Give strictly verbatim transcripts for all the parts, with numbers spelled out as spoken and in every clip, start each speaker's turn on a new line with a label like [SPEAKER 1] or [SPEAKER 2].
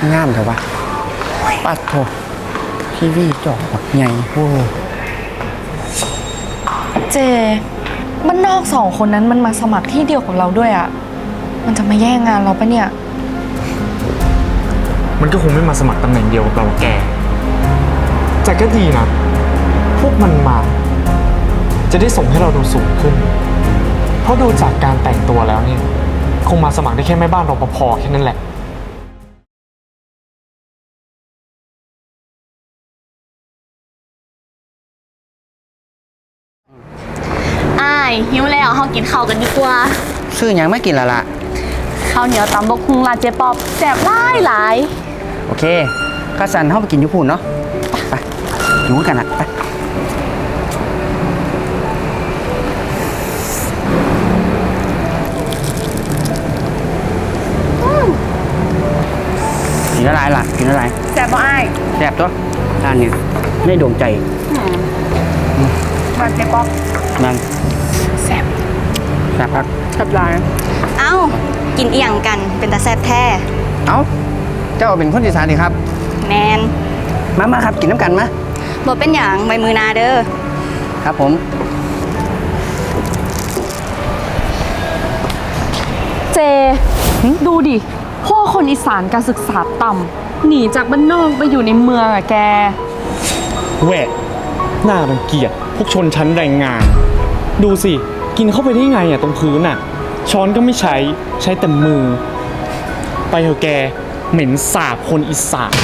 [SPEAKER 1] งามเถอะวะปัดโถทีวีจอแบบใหญ่โว้
[SPEAKER 2] เจบ้านนอกสองคนนั้นมันมาสมัครที่เดียวกับเราด้วยอ่ะมันจะมาแย่งงานเราปะเนี่ย
[SPEAKER 3] มันก็คงไม่มาสมัครตำแหน่งเดียวกับเราแกแต่ก็ดีนะพวกมันมาจะได้ส่งให้เราดูสูงขึ้นเพราะดูจากการแต่งตัวแล้วเนี่ยคงมาสมัครได้แค่แม่บ้านรปภแค่นั้นแหละ
[SPEAKER 4] อ้ายหิวแล้วเขากินข้าวกันดีกว่า
[SPEAKER 1] ซื้อยังไม่กินและล่ะ
[SPEAKER 4] ข้าวเหนียวตำบกฮุงร้านเจ๊ป๊อบแซ่บหลายหลาย
[SPEAKER 1] โอเคข้าสันเข้าไปกินยุพูนเนาะไปอยู่กันนะไปกินอะไรล่ะกินอะไร
[SPEAKER 4] แซ่บบ่อ้าย
[SPEAKER 1] แซ่บตัวร้านนี้ไม่โด่งใจ
[SPEAKER 4] ร้านเจ๊ป๊อบ
[SPEAKER 1] นั่น
[SPEAKER 4] แซ่บ
[SPEAKER 1] แซ่บครับ
[SPEAKER 4] แซ่บหลาย
[SPEAKER 5] เอ้ากินเอียงกันเป็นตาแซ่บแท้
[SPEAKER 1] เอ้าเจ้าเป็นคนอีสานดิครับ
[SPEAKER 5] แมน
[SPEAKER 1] มามาครับกินน้ำกันมา
[SPEAKER 5] บ่เป็นอย่างใบมือนาเด้อ
[SPEAKER 1] ครับผม
[SPEAKER 2] เจดูดิพวกคนอีสานการศึกษาต่ำหนีจากบ้านนอกไปอยู่ในเมืองอะแก
[SPEAKER 3] แหวะหน้ารังเกียจพวกชนชั้นแรงงานดูสิกินเข้าไปได้ไงอ่ะตรงพื้นอ่ะช้อนก็ไม่ใช้ใช้แต่มือไปเถอะแกเหม็นสาบคนอีสาน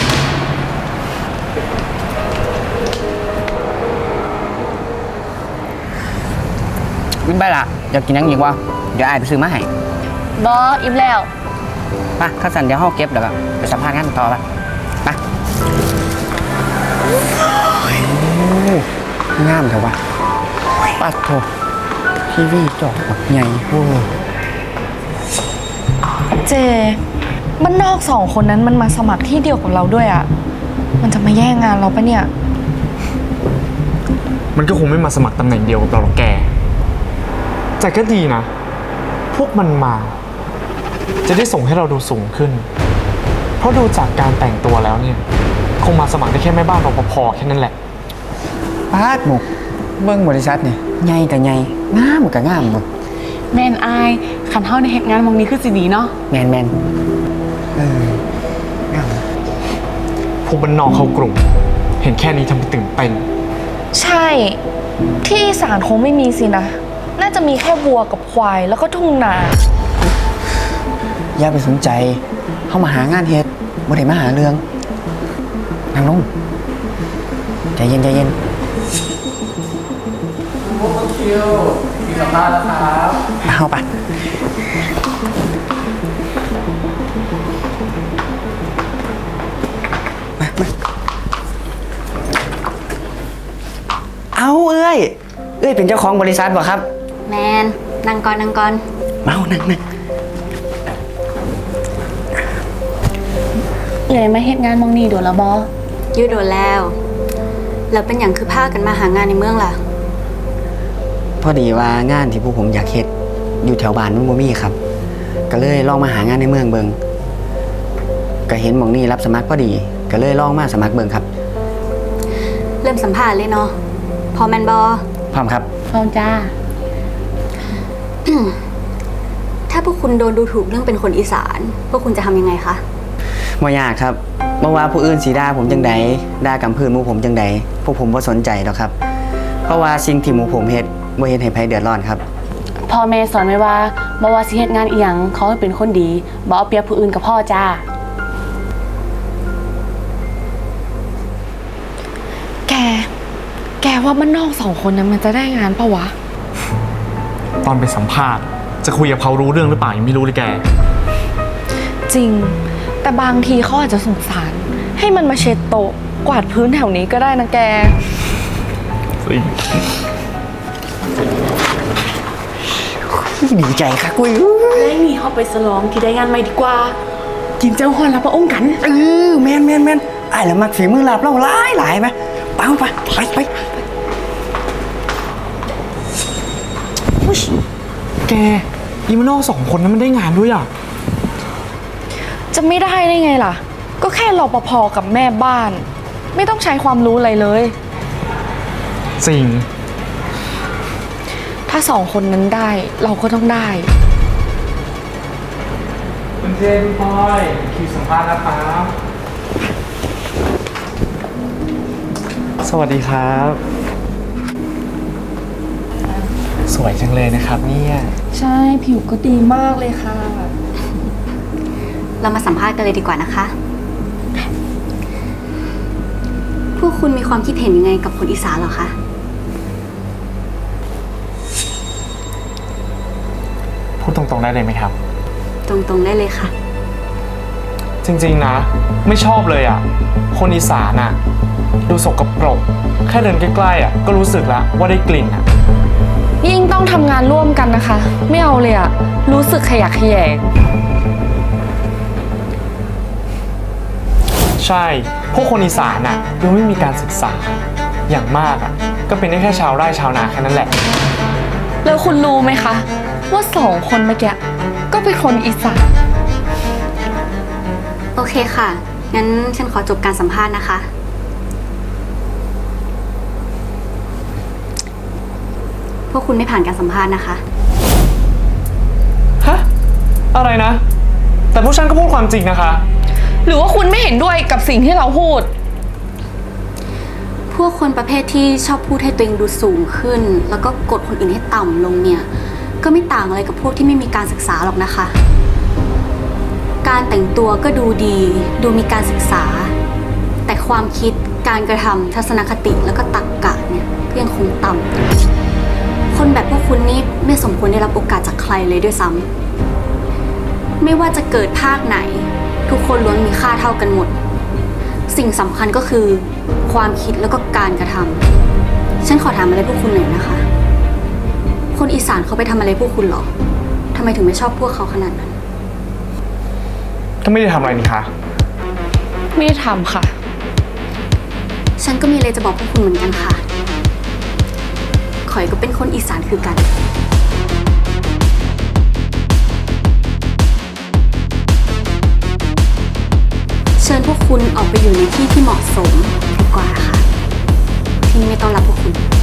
[SPEAKER 1] วิ่งไปละอยากกินยังอีกวะเดี๋ยวอายไปซื้อมาให้
[SPEAKER 4] บออิ่มแล้ว
[SPEAKER 1] ไปข้าสันเดี๋ยวห้องเก็บเดี๋ยวไปสัมภาษณ์งานต่อไปไปงามเถอะวะปัดโถทีวีจอแบบใหญ่โว้
[SPEAKER 2] เจบ้านนอกสองคนนั้นมันมาสมัครที่เดียวกับเราด้วยอ่ะมันจะมาแย่งงานเราปะเนี่ย
[SPEAKER 3] มันก็คงไม่มาสมัครตำแหน่งเดียวกับเราหรอกแกแต่ก็ดีนะพวกมันมาจะได้ส่งให้เราดูสูงขึ้นเพราะดูจากการแต่งตัวแล้วเนี่ยคงมาสมัครได้แค่แม่บ้านรปภแค่นั้นแหละ
[SPEAKER 1] ปาดหมกเบิ้งบริษัทเนี่ยใหญ่กับใหญ่งามกับงามหมด
[SPEAKER 4] แมนอายขันเท่าในเหตุงานมองนี้คือสิดีเนาะ
[SPEAKER 1] แมนแมนเอองาม
[SPEAKER 3] พวกบ้านนอกเข้ากลุ่มเห็นแค่นี้ทำให้ตื่นเต้น
[SPEAKER 2] ใช่ที่อีสานคงไม่มีสินะน่าจะมีแค่วัวกับควายแล้วก็ทุ่งนา
[SPEAKER 1] อย่าไปสนใจเข้ามาหางานเฮ็ดบ่ได้มาหาเรื่องนั่งลงใจเย็นใจเย็นพวกคิวมีสัมภาษณ์แล้วครับเข้าไปมามาเอาเอ้ยเอ้ยเป็นเจ้าของบริษัทบ่ครับ
[SPEAKER 5] แมนนั่งก่อนนั่งก่อน
[SPEAKER 1] เมานั่งนั่ง
[SPEAKER 4] เลยมาเหตุงานมองนี้โดนละบอ
[SPEAKER 5] ยืดโดนแล้วแล้วเป็นอย่างคือพากันมาหางานในเมืองล่ะ
[SPEAKER 1] พอดีว่างานที่พวกผมอยากเฮ็ดอยู่แถวบ้านมันบ่มีครับก็เลยลองมาหางานในเมืองเบิงก็เห็นหม่องนี้รับสมัครพอดีก็เลยลองมาสมัครเบิงครับ
[SPEAKER 5] เริ่มสัมภาษณ์เลยเนาะพอแมนบอ
[SPEAKER 1] พร้อมครับ
[SPEAKER 4] พร้อมจ้า
[SPEAKER 5] ถ้าพวกคุณโดนดูถูกเรื่องเป็นคนอีสานพวกคุณจะทำยังไงคะ
[SPEAKER 1] บ่ยากครับบ่ว่าผู้อื่นสิด่าผมจังใดด่ากำพื้นหมู่ผมจังใดพวกผมบ่สนใจดอกครับเพราะว่าสิ่งที่หมู่ผมเฮ็ดบ่เฮ็ดให้ไผเดือดร้อนครับ
[SPEAKER 4] พ่อแม่สอนไว้ว่าบ่ว่าสิเฮ็ดงานอีหยังเขาให้เป็นคนดีบ่เอาเปรียบผู้อื่นกับพ่อจ้า
[SPEAKER 2] แกแกว่าบ้านนอกสองคนนั้นมันจะได้งานปะวะ
[SPEAKER 3] ตอนไปสัมภาษณ์จะคุยกับเขารู้เรื่องหรือเปล่ายังไม่รู้เลยแก
[SPEAKER 2] จริงแต่บางทีเขาอาจจะสงสารให้มันมาเช็ดโต๊ะกวาดพื้นแถวนี้ก็ได้นะแก
[SPEAKER 1] ดีใจค่ะกุ้ย
[SPEAKER 4] ได้มีเขาไปสลองที่ได้งานใหม่ดีกว่ากินเจ้าฮอนรับพระองค์กัน
[SPEAKER 1] เออแมนแมนแมนไอ้ละมักฝีมือลาบเล่าหลายหลายไหมไปไปไปไป
[SPEAKER 3] แกอีมานอกสองคนนั้นมันได้งานด้วยอ่ะ
[SPEAKER 2] จะไม่ได้ได้ไงล่ะก็แค่รปภกับแม่บ้าน ไม่ต้องใช้ความรู้อะไรเลย
[SPEAKER 3] จริง
[SPEAKER 2] ถ้าสองคนนั้นได้เราก็ต้องได้
[SPEAKER 3] คุณเจนพลอยคิวสัมภาษณ์นะครับ สวัสดีครับ สวยจังเลยนะครับเนี่ย
[SPEAKER 2] ใช่ผิวก็ดีมากเลยค่ะ
[SPEAKER 5] เรามาสัมภาษณ์กันเลยดีกว่านะคะ พวกคุณมีความคิดเห็นยังไงกับคนอีสานเหรอคะ
[SPEAKER 3] พูดตรงๆได้เลยไหมครับ
[SPEAKER 5] ตรงๆได้เลยค่ะ
[SPEAKER 3] จริงๆนะ ไม่ชอบเลยอ่ะ คนอีสานอ่ะ ดูสกปรก แค่เดินใกล้ๆอ่ะก็รู้สึกแล้วว่าได้กลิ่นอ่ะ
[SPEAKER 2] ยิ่งต้องทำงานร่วมกันนะคะ ไม่เอาเลยอะรู้สึกขยะแขยง
[SPEAKER 3] ใช่ พวกคนอีสานอ่ะดูไม่มีการศึกษา อย่างมากอ่ะ ก็เป็นได้แค่ชาวไร่ชาวนาแค่นั้นแหละ
[SPEAKER 2] แล้วคุณรู้ไหมคะ ว่าสองคนเมื่อกี้ก็เป็นคนอีสาน
[SPEAKER 5] โอเคค่ะ งั้นฉันขอจบการสัมภาษณ์นะคะ พวกคุณไม่ผ่านการสัมภาษณ์นะคะ
[SPEAKER 3] ฮะ อะไรนะ แต่พวกฉันก็พูดความจริงนะคะ
[SPEAKER 2] หรือว่าคุณไม่เห็นด้วยกับสิ่งที่เราพูด
[SPEAKER 5] พวกคนประเภทที่ชอบพูดให้ตัวเองดูสูงขึ้น แล้วก็กดคนอื่นให้ต่ำลงเนี่ย ก็ไม่ต่างอะไรกับพวกที่ไม่มีการศึกษาหรอกนะคะ การแต่งตัวก็ดูดี ดูมีการศึกษา แต่ความคิด การกระทำทัศนคติแล้วก็ตรรกะเนี่ยก็ยังคงต่ำคนแบบพวกคุณนี่ไม่สมควรได้รับโอกาสจากใครเลยด้วยซ้ำไม่ว่าจะเกิดภาคไหน ทุกคนล้วนมีค่าเท่ากันหมด สิ่งสำคัญก็คือ ความคิดแล้วก็การกระทำฉันขอถามอะไรพวกคุณหน่อยนะคะ คนอีสานเขาไปทำอะไรพวกคุณหรอทำไมถึงไม่ชอบพวกเขาขนาดนั้น
[SPEAKER 3] ก็ไม่ได้ทำอะไรนี่คะ
[SPEAKER 2] ไม่ได้ทำค่ะ
[SPEAKER 5] ฉันก็มีอะไรจะบอกพวกคุณเหมือนกันค่ะข่อยก็เป็นคนอีสานคือกัน เชิญพวกคุณออกไปอยู่ในที่ที่เหมาะสมดีกว่าค่ะ ที่นี่ไม่ต้อนรับพวกคุณ